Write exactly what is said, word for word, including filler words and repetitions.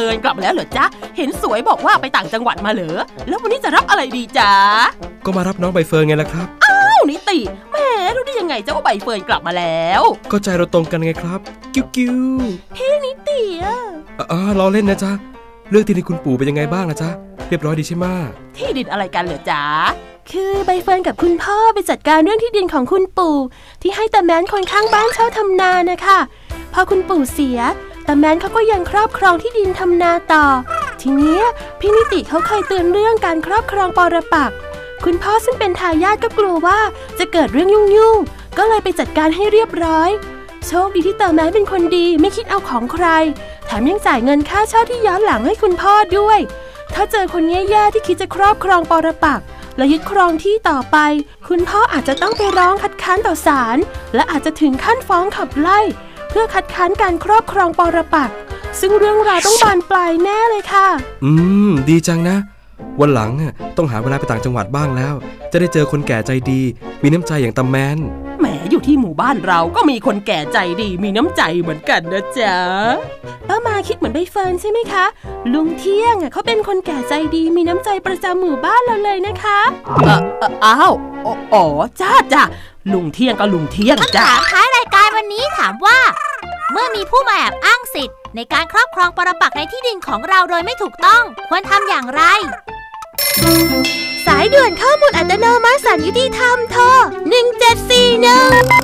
ฟิร์นกลับมาแล้วเหรอจ๊ะเห็นสวยบอกว่าไปต่างจังหวัดมาเหรอแล้ววันนี้จะรับอะไรดีจ๊ะก็มารับน้องใบเฟิร์นไงล่ะครับอ้าวนิติแหมรู้ได้ยังไงจ๊ะว่าใบเฟิร์นกลับมาแล้วก็ใจเราตรงกันไงครับกิ้วกิ้วพี่นิติอ่ะอ๋อรอเล่นนะจ๊ะเรื่องที่ดินคุณปู่เป็นยังไงบ้างนะจ๊ะเรียบร้อยดีใช่ไหมที่ดินอะไรกันเหรอจ๊ะคือใบเฟิร์นกับคุณพ่อไปจัดการเรื่องที่ดินของคุณปู่ที่ให้ตาแมนคนข้างบ้านเช่าทำนานะคะพอคุณปู่เสียตาแมนเขาก็ยังครอบครองที่ดินทำนาต่อทีนี้พี่นิติเขาเคยเตือนเรื่องการครอบครองปรปักษ์คุณพ่อซึ่งเป็นทายาทก็กลัวว่าจะเกิดเรื่องยุ่งๆก็เลยไปจัดการให้เรียบร้อยโชคดีที่ตาแมนเป็นคนดีไม่คิดเอาของใครแถมยังจ่ายเงินค่าเช่าที่ย้อนหลังให้คุณพ่อด้วยถ้าเจอคนแย่ๆที่คิดจะครอบครองปรปักษ์และยึดครองที่ต่อไปคุณพ่ออาจจะต้องไปร้องคัดค้านต่อศาลและอาจจะถึงขั้นฟ้องขับไล่เพื่อคัดค้านการครอบครองปรปักษ์ซึ่งเรื่องราวต้องบานปลายแน่เลยค่ะอืมดีจังนะวันหลังต้องหาเวลาไปต่างจังหวัดบ้างแล้วจะได้เจอคนแก่ใจดีมีน้ำใจอย่างตาแมนแหมอยู่ที่หมู่บ้านเราก็มีคนแก่ใจดีมีน้ำใจเหมือนกันนะจ๊ะป้ามาคิดเหมือนใบเฟิร์นใช่ไหมคะลุงเที่ยงเขาเป็นคนแก่ใจดีมีน้ำใจประจำหมู่บ้านเราเลยนะคะเออเอออ้าวอ๋อจ้าจ้าลุงเที่ยงก็ลุงเที่ยงจ้าคำถามท้ายรายการวันนี้ถามว่าเมื่อมีผู้มาแอบอ้างสิทธิ์ในการครอบครองปรปักษ์ในที่ดินของเราโดยไม่ถูกต้องควรทำอย่างไรสายด่วนข้อมูลอัตโนมัติศาลยุติธรรมโทรหนึ่งเจ็ดสี่หนึ่ง